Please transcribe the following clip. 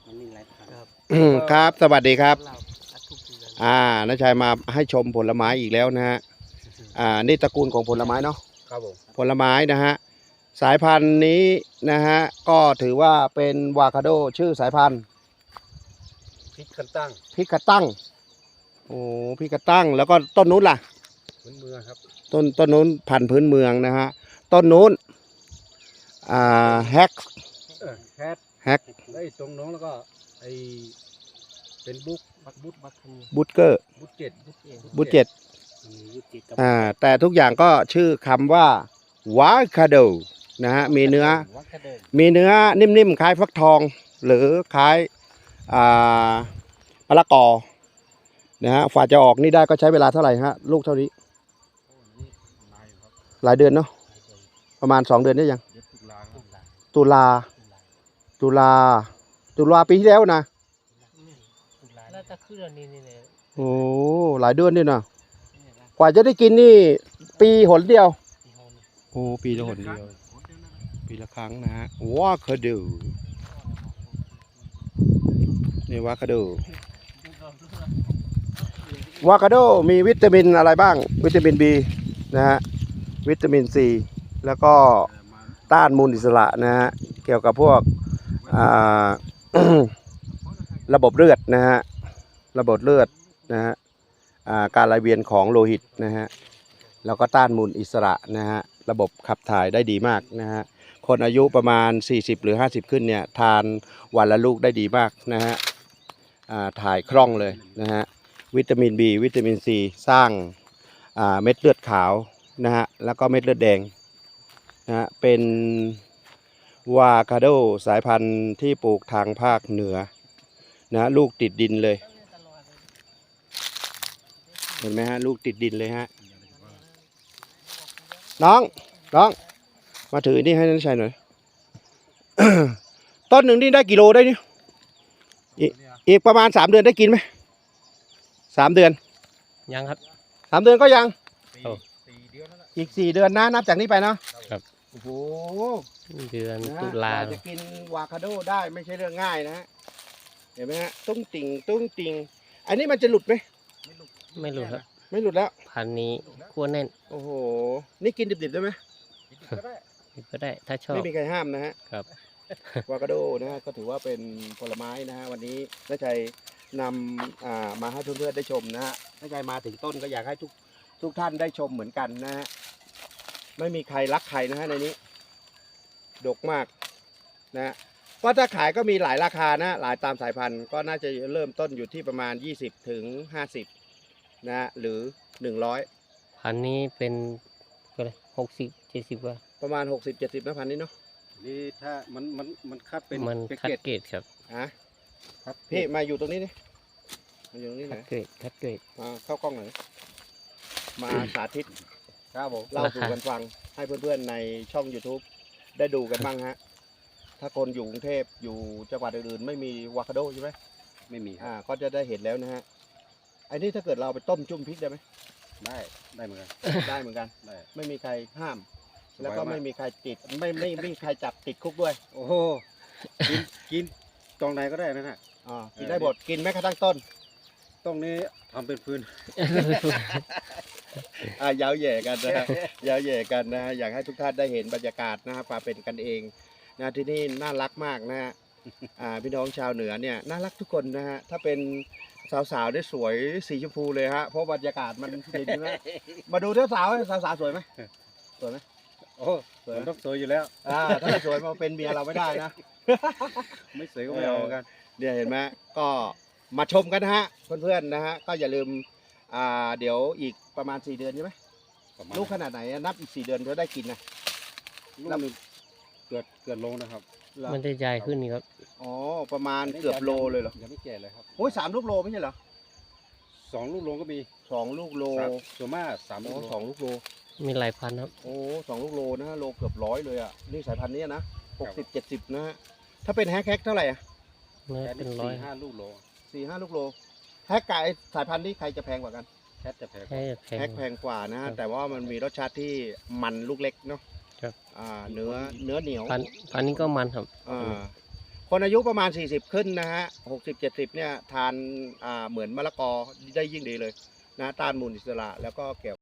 มันมีหลายพันธุ์ครับครับสวัสดีครับเราทุกเดือนน้าชัยมาให้ชมผลไม้อีกแล้วนะฮะนี่ตระกูลของผลไม้เนาะครับผมผลไม้นะฮะสายพันธุ์นี้นะฮะก็ถือว่าเป็นวาคาโดชื่อสายพันธุ์พริกคันตั้งพิกาตั้งโอ้พิกาตั้งแล้วก็ต้นนู้นล่ะพื้นเมืองครับต้นนู้นพันธุ์พื้นเมืองนะฮะต้นนู้นแฮกแฮดแฮกแล้วไอ้ตรงน้องแล้วก็ไอ้เป็นบุ๊กบัคคันบูตเกอร์บุ๊กเจ็ดบูตเจ็ดมียุติกับแต่ทุกอย่างก็ชื่อคำว่าวาคาโดนะฮะมีเนื้อวัคเดิมมีเนื้อนิ่มๆคล้ายฟักทอง หรือคล้ายมะละกอนะฮะฝ่าจะออกนี่ได้ก็ใช้เวลาเท่าไหร่ฮะลูกเท่านี้โอ้นี่นายครับหลายเดือนเนาะประมาณ2 เดือนได้ยังเดือนตุลาครับตุลาตุลาปีที่แล้วนะแล้วจะขึ้นอันนี้นี่เนี่ยโอ้หลายเดือนนี่นะกว่าจะได้กินนี่ปีหนเดียวที่โฮมโอ้ปีละหนเดียวปีละครั้งนะฮะวาคาโดนี่วาคาโดวาคาโดมีวิตามินอะไรบ้างวิตามิน B นะฮะวิตามิน C แล้วก็ต้านมูลอิสระนะฮะเกี่ยวกับพวกระบบเลือดนะฮะระบบเลือดนะฮะการไหลเวียนของโลหิตนะฮะแล้วก็ต้านมูลอิสระนะฮะระบบขับถ่ายได้ดีมากนะฮะคนอายุประมาณ40หรือ50ขึ้นเนี่ยทานวันละลูกได้ดีมากนะฮะถ่ายคล่องเลยนะฮะวิตามิน B วิตามิน C สร้างเม็ดเลือดขาวนะฮะแล้วก็เม็ดเลือดแดงนะฮะเป็นวาคาโดสายพันธุ์ที่ปลูกทางภาคเหนือนะลูกติดดินเลยเห็นไหมฮะลูกติดดินเลยฮะน้องมาถือนี่ให้นันชัยหน่อย ต้นหนึ่งนี่ได้กิโลได้นี่อีกประมาณ3 เดือนได้กินไหม3 เดือนยังครับ 3 เดือนก็ยังสี่เดือนแล้วล่ะอีก4 เดือนนะนับจากนี้ไปนะครับ โอ้โหเดือนนะตุลากว่าจะกินวาคาโดได้ไม่ใช่เรื่องง่ายนะฮะเห็นไหมฮะตุ้งติ่งอันนี้มันจะหลุดไหมไม่รู้ครับไม่หลุดแล้วพันนี้ขั้วแน่นโอ้โหนี่กินดิบๆได้ไหมก็ได้ก็ได้ถ้าชอบไม่มีใครห้ามนะฮะครับวาคาโดนะฮะก็ถือว่าเป็นผลไม้นะฮะวันนี้น้าชัยนำมาให้เพื่อนๆได้ชมนะฮะน้าชัยมาถึงต้นก็อยากให้ทุกท่านได้ชมเหมือนกันนะฮะไม่มีใครรักใครนะฮะในนี้ดกมากนะฮะก็ถ้าขายก็มีหลายราคานะหลายตามสายพันธุ์ก็น่าจะเริ่มต้นอยู่ที่ประมาณ20ถึง50นะฮะหรือ100 พันนี้เป็นก็เลย60-70กว่าประมาณ60-70นะพันนี้เนาะนี่ถ้ามันคัดเป็นมันเป็นคัดเกรดเกรดครับฮะครับพี่มาอยู่ตรงนี้นี่มาอยู่ตรงนี้หคัน่ดอยเกรดคัดเกรดมาเข้ากล้องหน่อยมาสาธิตครับผมเล่าสู่กันฟังให้เพื่อนๆในช่อง YouTube ได้ดูกันบ้างฮะ ถ้าคนอยู่กรุงเทพอยู่จังหวัดอื่นๆไม่มีวาคาโดใช่ไหมไม่มีครับก็จะได้เห็นแล้วนะฮะไอ้นี่ถ้าเกิดเราไปต้มจุ่มพริกได้ไหมได้เหมือนกันได้เหมือนกันได้ไม่มีใครห้ามสบายมากแล้วก็ไม่มีใครติดไม่มีใครจับติดคุกด้วยโอ้โหกินตรงไหนก็ได้นะฮะกินได้หมดกินแม้กระทั่งต้นตรงนี้ทำเป็นพื้นยาวแย่กันนะฮะ ยาวแย่กันนะฮะอยากให้ทุกท่านได้เห็นบรรยากาศนะฮะความเป็นกันเองนะที่นี่น่ารักมากนะฮะพี่น้องชาวเหนือเนี่ยน่ารักทุกคนนะฮะถ้าเป็นสาวๆได้สวยสีชมพูเลยฮะเพราะบรรยากาศมันดีใช่ไหมมาดูสาวๆสวยไหมสวยไหมโอ้ผมต้องสวยอยู่แล้วถ้าไม่สวยมาเป็นเมียเราไม่ได้นะไม่สวยก็ไม่เอาเหมือนกันเนี่ยเห็นไหมก็มาชมกันนะฮะเพื่อนๆนะฮะก็อย่าลืมเดี๋ยวอีกประมาณ4 เดือนใช่ไหมประมาณลูกขนาดไหนนับอีก4 เดือนจะได้กินนะลูกหนึงเกิดโลนะครับเหรอมันจะใหญ่ขึ้นนี่ครับอ๋อประมาณเกือบโลเลยเหรอยังไม่แก่เลยครับโอ้ย3 ลูกโลไม่ใช่เหรอ 2 ลูกโลก็มี 2 ลูกโลส่วนมาก3 ลูโอ้กโล 2 ลูกโลมีหลายพันครับโอ้2 ลูกโลนะฮะโลเกือบ100เลยอ่ะนี่สายพันธุ์นี้นะ60-70นะฮะถ้าเป็นแฮกเท่าไหร่อ่ะเนื้อแค่เป็นนี้ร้อย 4-5 ลูกโล 4-5 ลูกโลแฮกกับไอ้สายพันธุ์นี้ใครจะแพงกว่ากันแคทจะแพงแค่แพแฮงกแพงกว่านะฮะครับแต่ว่ามันมีรสชาติที่มันลูกเล็กเนาะครับเนื้อเหนียวพันนี้ก็มันครับอ่าคนอายุประมาณ 40 ขึ้นนะฮะ60-70เนี่ยทานเหมือนมะละกอได้ยิ่งดีเลยนะต้านมูลอิสระแล้วก็เกี่ยว